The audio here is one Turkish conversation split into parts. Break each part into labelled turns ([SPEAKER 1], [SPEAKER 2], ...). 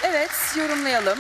[SPEAKER 1] Evet, yorumlayalım.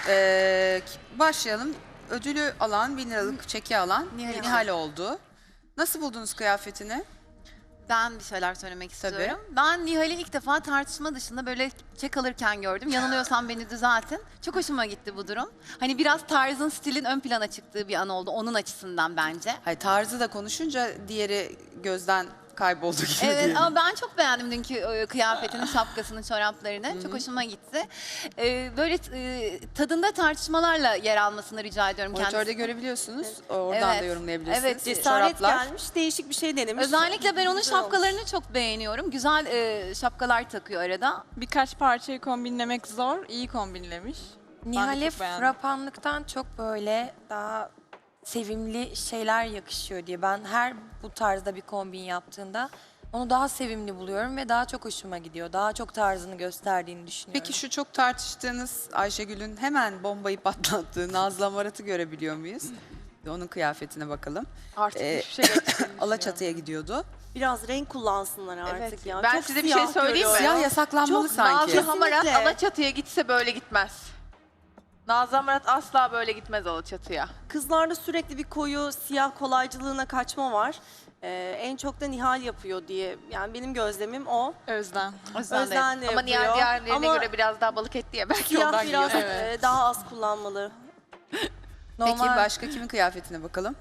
[SPEAKER 1] Başlayalım. Ödülü alan, 1000 liralık çeki alan Nihal oldu. Nasıl buldunuz kıyafetini?
[SPEAKER 2] Ben bir şeyler söylemek
[SPEAKER 1] Tabii.
[SPEAKER 2] istiyorum. Ben Nihal'i ilk defa tartışma dışında böyle çek alırken gördüm. Yanılıyorsam beni düzeltin. Çok hoşuma gitti bu durum. Hani biraz tarzın, stilin ön plana çıktığı bir an oldu onun açısından bence.
[SPEAKER 1] Hayır, tarzı da konuşunca diğeri gözden kayboldu gibi
[SPEAKER 2] Evet
[SPEAKER 1] diyelim.
[SPEAKER 2] ama ben çok beğendim dünkü kıyafetini, şapkasını, çoraplarını. Çok hoşuma gitti. Böyle tadında tartışmalarla yer almasını rica ediyorum
[SPEAKER 1] Monitörde
[SPEAKER 2] kendisi.
[SPEAKER 1] görebiliyorsunuz. Oradan da
[SPEAKER 2] Evet.
[SPEAKER 1] yorumlayabilirsiniz.
[SPEAKER 2] Evet,
[SPEAKER 3] Cesaret
[SPEAKER 1] Çoraplar.
[SPEAKER 3] gelmiş, değişik bir şey denemiş.
[SPEAKER 2] Özellikle ben onun
[SPEAKER 3] Güzel olmuş.
[SPEAKER 2] şapkalarını çok beğeniyorum. Güzel şapkalar takıyor arada.
[SPEAKER 4] Birkaç parçayı kombinlemek zor. İyi kombinlemiş.
[SPEAKER 5] Nihal'e
[SPEAKER 4] çok beğendim.
[SPEAKER 5] frapanlıktan çok böyle daha sevimli şeyler yakışıyor diye. Ben her bu tarzda bir kombin yaptığında onu daha sevimli buluyorum ve daha çok hoşuma gidiyor. Daha çok tarzını gösterdiğini düşünüyorum.
[SPEAKER 1] Peki şu çok tartıştığınız Ayşegül'ün hemen bombayı patlattığı Nazlı Amarat'ı görebiliyor muyuz? Onun kıyafetine bakalım.
[SPEAKER 6] Artık
[SPEAKER 1] Ee,
[SPEAKER 6] hiçbir şey geçtiğini
[SPEAKER 1] Alaçatı'ya gidiyordu.
[SPEAKER 3] Biraz renk kullansınlar artık
[SPEAKER 6] Evet.
[SPEAKER 3] ya.
[SPEAKER 6] Ben
[SPEAKER 3] Çok
[SPEAKER 6] size bir
[SPEAKER 3] siyah
[SPEAKER 6] şey söyleyeyim mi?
[SPEAKER 3] görüyorum.
[SPEAKER 1] Siyah yasaklanmalı
[SPEAKER 3] Çok
[SPEAKER 1] sanki.
[SPEAKER 6] Nazlı Hamarat
[SPEAKER 3] Kesinlikle.
[SPEAKER 6] Alaçatı'ya gitse böyle gitmez. Nazlı Hamarat asla böyle gitmez Alaçatı'ya.
[SPEAKER 3] Kızlarda sürekli bir koyu siyah kolaycılığına kaçma var. En çok da Nihal yapıyor diye. Yani benim gözlemim o.
[SPEAKER 4] Özlem.
[SPEAKER 3] Özden de
[SPEAKER 6] Ama diğer
[SPEAKER 3] yapıyor.
[SPEAKER 6] diğerlerine
[SPEAKER 3] Ama
[SPEAKER 6] göre biraz daha balık etli ya belki
[SPEAKER 3] siyah
[SPEAKER 6] ondan yiyor.
[SPEAKER 3] biraz daha az kullanmalı.
[SPEAKER 1] Peki
[SPEAKER 5] Normal
[SPEAKER 1] başka kimin kıyafetine bakalım?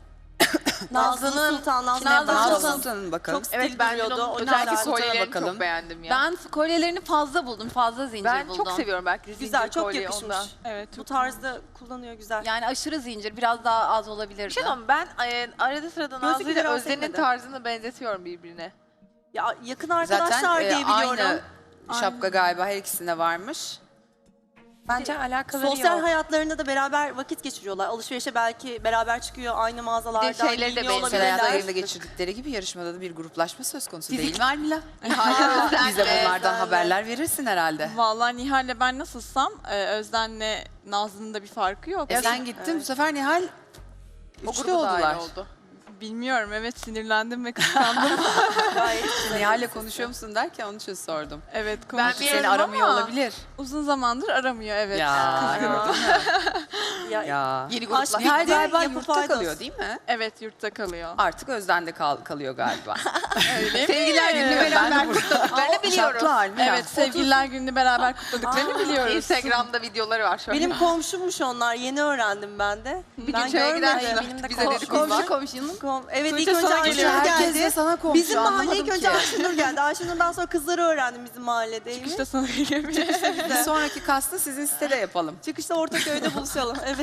[SPEAKER 3] Nazlı Sultan,
[SPEAKER 2] Nazlı
[SPEAKER 1] Nazlı
[SPEAKER 2] Sultan.
[SPEAKER 1] Sultan'ın bakalım.
[SPEAKER 3] Çok stil
[SPEAKER 6] Evet ben de
[SPEAKER 3] duruyordu.
[SPEAKER 6] onun
[SPEAKER 3] O
[SPEAKER 6] özellikle
[SPEAKER 3] yüzden
[SPEAKER 6] kolyelerini
[SPEAKER 1] bakalım.
[SPEAKER 6] çok beğendim ya.
[SPEAKER 2] Ben kolyelerini fazla buldum. Fazla zincir
[SPEAKER 6] Ben
[SPEAKER 2] buldum.
[SPEAKER 6] çok seviyorum belki de
[SPEAKER 3] güzel,
[SPEAKER 6] zincir
[SPEAKER 3] çok
[SPEAKER 6] kolye
[SPEAKER 3] yakışmış.
[SPEAKER 6] ondan.
[SPEAKER 4] Evet.
[SPEAKER 3] Bu
[SPEAKER 4] Çok
[SPEAKER 3] tarzda kullanıyor güzel.
[SPEAKER 2] Yani aşırı zincir. Biraz daha az olabilirdi.
[SPEAKER 6] Bir şey diyeyim mi? Ben arada sırada
[SPEAKER 3] Gözlük
[SPEAKER 6] Nazlı ile
[SPEAKER 3] biraz
[SPEAKER 6] Özden'in
[SPEAKER 3] sekmedi.
[SPEAKER 6] tarzını benzetiyorum birbirine.
[SPEAKER 3] Ya yakın
[SPEAKER 1] Zaten
[SPEAKER 3] arkadaşlar diye biliyorum.
[SPEAKER 1] aynı şapka galiba her ikisinde varmış.
[SPEAKER 5] bence alakaları
[SPEAKER 3] Sosyal
[SPEAKER 5] yok.
[SPEAKER 3] hayatlarında da beraber vakit geçiriyorlar. Alışverişe belki beraber çıkıyor aynı mağazalardan
[SPEAKER 6] şeyleri de
[SPEAKER 3] giyiniyor
[SPEAKER 6] benziyor.
[SPEAKER 1] Sosyal hayatlarında
[SPEAKER 3] olabilirler.
[SPEAKER 1] geçirdikleri gibi yarışmada da bir gruplaşma söz konusu değil mi Almila?
[SPEAKER 6] Özden
[SPEAKER 1] Bize
[SPEAKER 6] de-
[SPEAKER 1] bunlardan
[SPEAKER 3] Özden'le.
[SPEAKER 1] haberler verirsin herhalde.
[SPEAKER 4] Vallahi Nihal'le ben nasılsam Özden'le Nazlı'nın da bir farkı yok.
[SPEAKER 1] Sen gittin bu sefer Nihal
[SPEAKER 6] O
[SPEAKER 1] üçlü
[SPEAKER 6] grubu
[SPEAKER 1] oldular.
[SPEAKER 6] dahil oldu.
[SPEAKER 4] Bilmiyorum, evet, sinirlendim ve kıskandım.
[SPEAKER 1] Nihal'le konuşuyor musun derken onun için sordum.
[SPEAKER 4] Evet,
[SPEAKER 6] Ben
[SPEAKER 4] konuşuyorum
[SPEAKER 6] bir
[SPEAKER 1] Seni
[SPEAKER 6] Bilmiyorum
[SPEAKER 1] aramıyor
[SPEAKER 4] ama
[SPEAKER 1] olabilir.
[SPEAKER 4] uzun zamandır aramıyor, evet.
[SPEAKER 1] Ya, gördün mü?
[SPEAKER 3] Ya,
[SPEAKER 1] Ya.
[SPEAKER 6] Yeni
[SPEAKER 3] Aşk
[SPEAKER 6] gruplar.
[SPEAKER 1] Nihal
[SPEAKER 3] bitti,
[SPEAKER 1] galiba
[SPEAKER 3] yapı
[SPEAKER 1] yurtta
[SPEAKER 3] faydos.
[SPEAKER 1] kalıyor değil mi?
[SPEAKER 4] Evet, yurtta kalıyor.
[SPEAKER 1] Artık Özden'de kalıyor galiba.
[SPEAKER 4] Öyle mi?
[SPEAKER 6] Sevgiler gününü
[SPEAKER 1] Ben de
[SPEAKER 6] beraber
[SPEAKER 1] burada.
[SPEAKER 6] kutladıklarını biliyoruz.
[SPEAKER 1] Şartlı Almila.
[SPEAKER 4] Evet, sevgililer gününü beraber kutladıklarını biliyoruz.
[SPEAKER 6] Instagram'da videoları var şöyle.
[SPEAKER 3] benim komşummuş onlar. Yeni öğrendim ben de.
[SPEAKER 6] bir
[SPEAKER 3] ben
[SPEAKER 6] gün çaya
[SPEAKER 3] görmedim.
[SPEAKER 6] giderken
[SPEAKER 5] Benim de
[SPEAKER 6] bize
[SPEAKER 5] komşum
[SPEAKER 6] dedikodu var.
[SPEAKER 2] Komşunun.
[SPEAKER 3] Evet
[SPEAKER 4] Tuğçe
[SPEAKER 3] ilk önce
[SPEAKER 4] sana
[SPEAKER 3] Ayşenur
[SPEAKER 4] geliyor.
[SPEAKER 1] Herkes de
[SPEAKER 3] geldi.
[SPEAKER 1] sana komşu,
[SPEAKER 3] Bizim mahalle
[SPEAKER 1] anlamadım
[SPEAKER 3] ilk önce
[SPEAKER 1] ki.
[SPEAKER 3] Ayşenur geldi. Ayşenur'dan sonra kızları öğrendim bizim mahalledeymiş.
[SPEAKER 4] İşte sana geliyor.
[SPEAKER 1] Bir sonraki kastı sizin sitede yapalım.
[SPEAKER 3] Çıkışta Ortaköy'de buluşalım. Evet.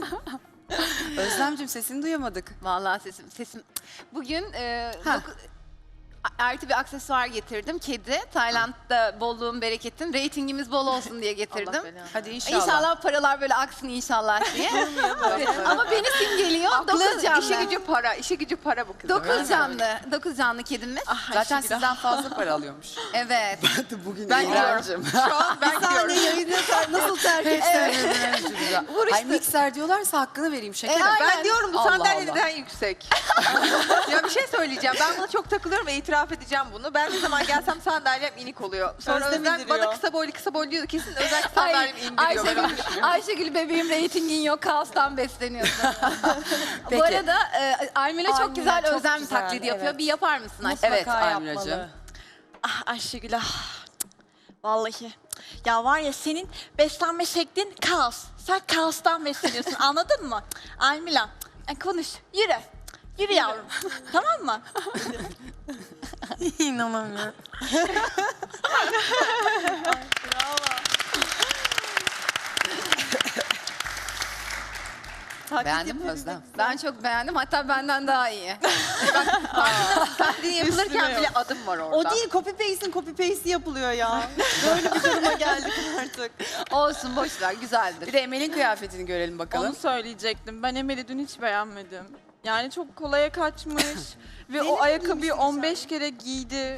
[SPEAKER 1] Özlemciğim sesini duyamadık.
[SPEAKER 2] Vallahi sesim. Bugün
[SPEAKER 1] Ha.
[SPEAKER 2] artı bir aksesuar getirdim. Kedi. Tayland'da bolluğun bereketin. Reytingimiz bol olsun diye
[SPEAKER 6] Allah
[SPEAKER 2] getirdim.
[SPEAKER 6] belanı.
[SPEAKER 1] Hadi inşallah.
[SPEAKER 2] İnşallah paralar böyle aksın inşallah diye. Ama beni simgeliyor.
[SPEAKER 6] Aklı,
[SPEAKER 2] 9 canlı.
[SPEAKER 6] işi gücü para, işi gücü para bu kızın.
[SPEAKER 2] 9 canlı. 9 canlı kedimiz.
[SPEAKER 1] Zaten sizden fazla para alıyormuş.
[SPEAKER 2] Evet.
[SPEAKER 1] Bugün
[SPEAKER 6] Ben gidiyorum. Şu an ben gidiyorum.
[SPEAKER 3] Yayını nasıl terk etsin?
[SPEAKER 1] Hayır mikser diyorlarsa hakkını vereyim şekerim.
[SPEAKER 6] Ben diyorum bu
[SPEAKER 1] Allah
[SPEAKER 6] sandalye
[SPEAKER 1] Allah.
[SPEAKER 6] neden yüksek? Ya bir şey söyleyeceğim. Ben buna çok takılıyorum ve itiraf edeceğim bunu. Ben ne zaman gelsem sandalyem inik oluyor. Sonra
[SPEAKER 3] Özlem
[SPEAKER 6] Özlem
[SPEAKER 3] indiriyor.
[SPEAKER 6] bana kısa boylu diyordu. Kesin özel sandalyemi indiriyor. Ben onu düşünüyorum.
[SPEAKER 2] Ayşegül bebeğim reytingin yok. Kaostan besleniyorsun.
[SPEAKER 1] Peki.
[SPEAKER 2] Bu arada Almila çok
[SPEAKER 5] Almila
[SPEAKER 2] güzel
[SPEAKER 5] çok
[SPEAKER 2] Özlem
[SPEAKER 5] güzel,
[SPEAKER 2] taklidi yapıyor.
[SPEAKER 5] evet.
[SPEAKER 2] Bir yapar mısın Ayşegül?
[SPEAKER 1] Evet
[SPEAKER 5] Mutlaka
[SPEAKER 1] Almilacığım.
[SPEAKER 5] yapmalı.
[SPEAKER 7] Ah Ayşegül ah. Vallahi. Ya var ya senin beslenme şeklin kaos. Sen kaostan besleniyorsun anladın mı? Almila konuş yürü. Yürü yavrum. Tamam mı?
[SPEAKER 5] İnanamıyorum.
[SPEAKER 1] Beğendin mi Özlem?
[SPEAKER 2] Ben çok beğendim. Hatta benden daha iyi.
[SPEAKER 6] Taklidi yapılırken bile adım var orada.
[SPEAKER 3] O değil copy paste'i yapılıyor ya. Böyle bir duruma geldik artık.
[SPEAKER 2] Olsun boş ver.
[SPEAKER 1] Bir
[SPEAKER 2] Güzeldir.
[SPEAKER 1] de Emel'in kıyafetini görelim bakalım.
[SPEAKER 4] Onu söyleyecektim. Ben Emel'i dün hiç beğenmedim. Yani çok kolaya kaçmış ve o ayakkabıyı 15 kere giydi.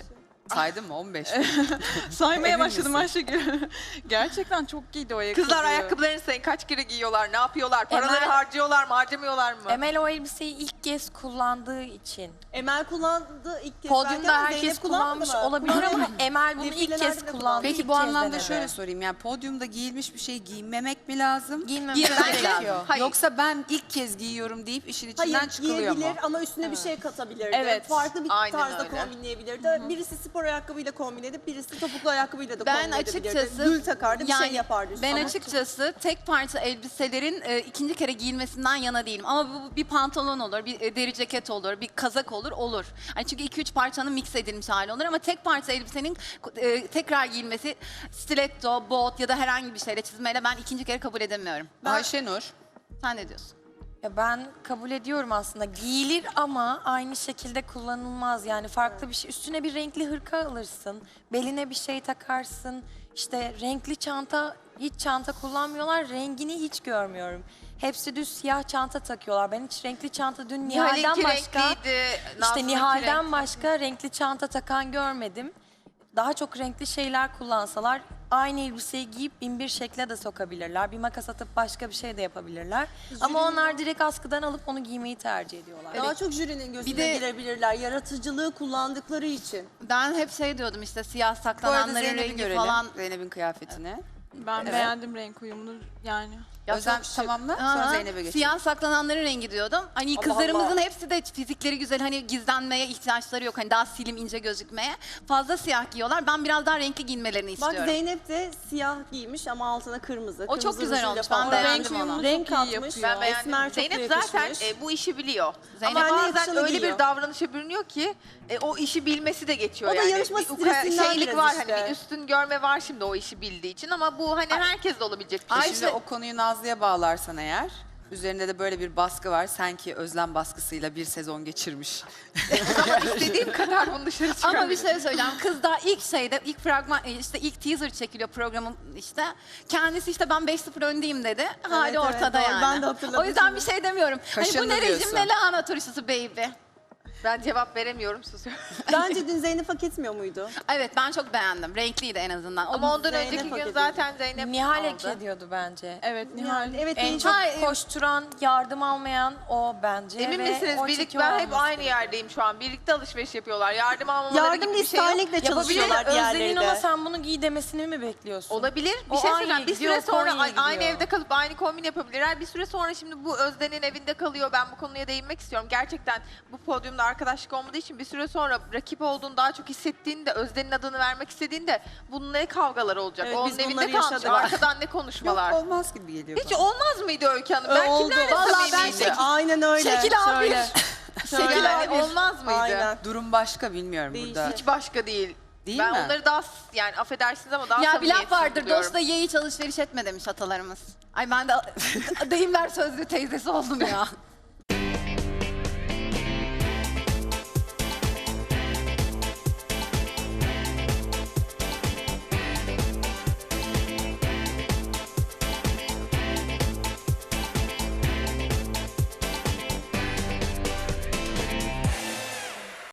[SPEAKER 1] Saydın mı? 15 mi?
[SPEAKER 4] Saymaya
[SPEAKER 1] Emin
[SPEAKER 4] başladım
[SPEAKER 1] misin?
[SPEAKER 4] Ayşegül. Gerçekten çok giydi o ayakkabıyı.
[SPEAKER 6] Kızlar ayakkabılarını sayın. Kaç kere giyiyorlar? Ne yapıyorlar? Paraları
[SPEAKER 5] Emel-
[SPEAKER 6] harcıyorlar mı? Harcamıyorlar mı?
[SPEAKER 5] Emel o elbiseyi ilk kez kullandığı için.
[SPEAKER 3] Emel kullandı ilk kez.
[SPEAKER 5] Podyumda
[SPEAKER 3] belki ama
[SPEAKER 5] herkes
[SPEAKER 3] Zeynep
[SPEAKER 5] kullanmış
[SPEAKER 3] kullandı mı?
[SPEAKER 5] olabilir ama Emel bunu ilk
[SPEAKER 3] Defilelerde
[SPEAKER 5] kez
[SPEAKER 3] de
[SPEAKER 5] kullandı.
[SPEAKER 1] Peki
[SPEAKER 5] ilk
[SPEAKER 1] bu
[SPEAKER 5] kez
[SPEAKER 1] anlamda
[SPEAKER 5] denedi.
[SPEAKER 1] şöyle sorayım. Yani podyumda giyilmiş bir şey giymemek mi lazım?
[SPEAKER 5] Giyinmemesi
[SPEAKER 2] Giyinmemesi
[SPEAKER 5] gerekiyor.
[SPEAKER 2] lazım.
[SPEAKER 6] Hayır.
[SPEAKER 1] Yoksa ben ilk kez giyiyorum deyip işin içinden
[SPEAKER 3] Hayır
[SPEAKER 1] çıkılıyor mu?
[SPEAKER 3] giyebilir ama üstüne bir şey katabilirdi.
[SPEAKER 4] Evet,
[SPEAKER 3] Farklı bir
[SPEAKER 6] aynen
[SPEAKER 3] tarzda
[SPEAKER 6] öyle.
[SPEAKER 3] kombinleyebilirdi. Birisi spor ayakkabıyla kombin edip birisi topuklu ayakkabıyla da
[SPEAKER 2] Ben
[SPEAKER 3] kombin edebilirdi.
[SPEAKER 2] açıkçası
[SPEAKER 3] Gül takardı bir şey yapardı üstüne.
[SPEAKER 2] Ben
[SPEAKER 3] Ama
[SPEAKER 2] açıkçası tek parça elbiselerin ikinci kere giyilmesinden yana değilim. Ama bu bir pantolon olur, bir deri ceket olur, bir kazak olur. Hani çünkü 2-3 parçanın mix edilmiş hali olur ama tek parça elbisenin tekrar giyilmesi stiletto, bot ya da herhangi bir şeyle çizmeyle ben ikinci kere kabul edemiyorum.
[SPEAKER 1] Ayşenur.
[SPEAKER 2] Sen ne diyorsun?
[SPEAKER 5] Ya ben kabul ediyorum aslında. Giyilir ama aynı şekilde kullanılmaz. Yani farklı bir şey. Üstüne bir renkli hırka alırsın. Beline bir şey takarsın. İşte renkli çanta, hiç çanta kullanmıyorlar. Rengini hiç görmüyorum. Hepsi düz siyah çanta takıyorlar. Ben hiç renkli çanta dün Nihal'den
[SPEAKER 6] Nihal'inki
[SPEAKER 5] başka...
[SPEAKER 6] renkliydi.
[SPEAKER 5] İşte
[SPEAKER 6] Nazlı'nınki
[SPEAKER 5] Nihal'den
[SPEAKER 6] renkli.
[SPEAKER 5] başka renkli çanta takan görmedim. Daha çok renkli şeyler kullansalar aynı elbiseyi giyip bin bir şekle de sokabilirler. Bir makas atıp başka bir şey de yapabilirler. Ama onlar direkt askıdan alıp onu giymeyi tercih ediyorlar.
[SPEAKER 3] daha çok jürinin gözüne
[SPEAKER 2] Bir de-
[SPEAKER 3] girebilirler. Yaratıcılığı kullandıkları için.
[SPEAKER 2] Ben hep şey diyordum işte siyah
[SPEAKER 1] Bu arada
[SPEAKER 2] saklananların
[SPEAKER 1] Zeynep'i
[SPEAKER 2] rengi
[SPEAKER 1] görelim.
[SPEAKER 2] falan.
[SPEAKER 1] Zeynep'in kıyafetini.
[SPEAKER 4] Ben beğendim renk uyumunu yani.
[SPEAKER 1] Özlem
[SPEAKER 2] çok şık.
[SPEAKER 1] tamamla sonra
[SPEAKER 2] Aha,
[SPEAKER 1] Zeynep'e geçelim.
[SPEAKER 2] Siyah saklananların rengi diyordum. Hani kızlarımızın hepsi de fizikleri güzel. Hani gizlenmeye ihtiyaçları yok. Hani daha slim ince gözükmeye. Fazla siyah giyiyorlar. Ben biraz daha renkli giyinmelerini
[SPEAKER 3] Bak
[SPEAKER 2] istiyorum.
[SPEAKER 3] Zeynep de siyah giymiş ama altına kırmızı.
[SPEAKER 2] O çok
[SPEAKER 3] Kırmızı
[SPEAKER 2] güzel
[SPEAKER 3] rujuyla
[SPEAKER 2] olmuş.
[SPEAKER 3] falan.
[SPEAKER 2] Ben
[SPEAKER 4] Renk
[SPEAKER 2] beğendim
[SPEAKER 4] uyumunu
[SPEAKER 2] onu.
[SPEAKER 3] Renk
[SPEAKER 4] çok iyi
[SPEAKER 3] katmış.
[SPEAKER 4] yapıyor.
[SPEAKER 6] Ben beğendim.
[SPEAKER 3] Esmer çok
[SPEAKER 6] Zeynep
[SPEAKER 3] yakışmış.
[SPEAKER 6] zaten bu işi biliyor.
[SPEAKER 2] Zeynep
[SPEAKER 6] Ama
[SPEAKER 3] kendine
[SPEAKER 6] bazen
[SPEAKER 3] yakışanı
[SPEAKER 6] öyle
[SPEAKER 3] giyiyor.
[SPEAKER 6] bir davranışa bürünüyor ki o işi bilmesi de geçiyor
[SPEAKER 3] O da
[SPEAKER 6] yani.
[SPEAKER 3] yarışma
[SPEAKER 6] Bir
[SPEAKER 3] stresinden
[SPEAKER 6] şeylik
[SPEAKER 3] biraz
[SPEAKER 6] var
[SPEAKER 3] işte.
[SPEAKER 6] hani bir üstün görme var şimdi o işi bildiği için ama bu hani herkes de olabilecek bir şey.
[SPEAKER 1] Şimdi o konuyu Nazlı'ya bağlarsan eğer, üzerinde de böyle bir baskı var. Sanki Özlem baskısıyla bir sezon geçirmiş.
[SPEAKER 6] Ama istediğim kadar bunu dışarı çıkarabilirim.
[SPEAKER 2] Ama bir şey söyleyeceğim. Kız daha ilk fragman işte ilk teaser çekiliyor programın işte. Kendisi işte ben 5-0 öndeyim dedi. Hali
[SPEAKER 3] evet,
[SPEAKER 2] ortada
[SPEAKER 3] doğru.
[SPEAKER 2] yani.
[SPEAKER 3] Ben de hatırladım
[SPEAKER 2] O yüzden
[SPEAKER 3] şimdi.
[SPEAKER 2] bir şey demiyorum. Hani bu
[SPEAKER 1] Kaşındı
[SPEAKER 2] ne rejim
[SPEAKER 1] diyorsun.
[SPEAKER 2] ne lahana turşusu baby.
[SPEAKER 6] Ben cevap veremiyorum susuyorum.
[SPEAKER 3] Bence dün Zeynep hak etmiyor muydu?
[SPEAKER 2] Evet ben çok beğendim. Renkliydi en azından.
[SPEAKER 6] Ama ondan
[SPEAKER 3] Zeynep
[SPEAKER 6] önceki
[SPEAKER 3] hak
[SPEAKER 6] gün
[SPEAKER 3] ediyor.
[SPEAKER 6] zaten Zeynep
[SPEAKER 5] Nihal
[SPEAKER 6] aldı.
[SPEAKER 5] hak ediyordu bence.
[SPEAKER 4] Evet Nihal.
[SPEAKER 3] Evet
[SPEAKER 5] En
[SPEAKER 3] en
[SPEAKER 5] çok
[SPEAKER 2] Hayır.
[SPEAKER 5] koşturan, yardım almayan o bence.
[SPEAKER 6] Emin
[SPEAKER 5] ve
[SPEAKER 6] misiniz?
[SPEAKER 5] o
[SPEAKER 6] Birlikte
[SPEAKER 5] çekiyor
[SPEAKER 6] ben hep
[SPEAKER 5] olması
[SPEAKER 6] aynı
[SPEAKER 5] gerekiyor.
[SPEAKER 6] yerdeyim şu an. Birlikte alışveriş yapıyorlar. Yardım almaları
[SPEAKER 3] yardım
[SPEAKER 6] gibi bir şey yok.
[SPEAKER 3] listerlikle çalışıyorlar
[SPEAKER 5] Yapabilir.
[SPEAKER 3] diğerleri
[SPEAKER 5] Özden'in
[SPEAKER 3] de.
[SPEAKER 5] ona sen bunu giy demesini mi bekliyorsun?
[SPEAKER 6] Olabilir. Bir
[SPEAKER 5] O
[SPEAKER 6] şey
[SPEAKER 5] aynı
[SPEAKER 6] söyleyeceğim. Bir
[SPEAKER 5] gidiyor,
[SPEAKER 6] süre sonra
[SPEAKER 5] Konya'ya
[SPEAKER 6] aynı
[SPEAKER 5] gidiyor.
[SPEAKER 6] evde kalıp aynı kombin yapabilirler. Bir süre sonra şimdi bu Özden'in evinde kalıyor. Ben bu konuya değinmek istiyorum. Gerçekten bu podyumda arkadaşlık olmadığı için bir süre sonra rakip olduğunu daha çok hissettiğinde, Özden'in adını vermek istediğinde bunun ne kavgalar olacak?
[SPEAKER 3] Evet,
[SPEAKER 6] Onun
[SPEAKER 3] biz
[SPEAKER 6] evinde
[SPEAKER 3] bunları
[SPEAKER 6] kalmış.
[SPEAKER 3] yaşadık.
[SPEAKER 6] Arkadan ne
[SPEAKER 1] Yok
[SPEAKER 6] konuşmalar?
[SPEAKER 1] olmaz gibi geliyor
[SPEAKER 6] Hiç
[SPEAKER 1] bana.
[SPEAKER 6] olmaz mıydı Öykü Hanım? Ben
[SPEAKER 3] Oldu.
[SPEAKER 6] kimlerle
[SPEAKER 3] Vallahi ben
[SPEAKER 6] samimiydim?
[SPEAKER 3] aynen öyle.
[SPEAKER 2] Şekil abi.
[SPEAKER 3] Şöyle. Şöyle.
[SPEAKER 6] Yani olmaz mıydı?
[SPEAKER 3] Aynen.
[SPEAKER 1] Durum başka bilmiyorum
[SPEAKER 3] Değişik.
[SPEAKER 1] burada.
[SPEAKER 6] Hiç başka değil.
[SPEAKER 1] Değil
[SPEAKER 6] ben
[SPEAKER 1] mi?
[SPEAKER 6] onları daha yani affedersiniz ama daha
[SPEAKER 2] Ya bir
[SPEAKER 6] samimiyetsiz
[SPEAKER 2] laf vardır.
[SPEAKER 6] buluyorum.
[SPEAKER 2] Dostla ye hiç alışveriş etme demiş atalarımız. Ay ben de deyimler sözlü teyzesi oldum ya.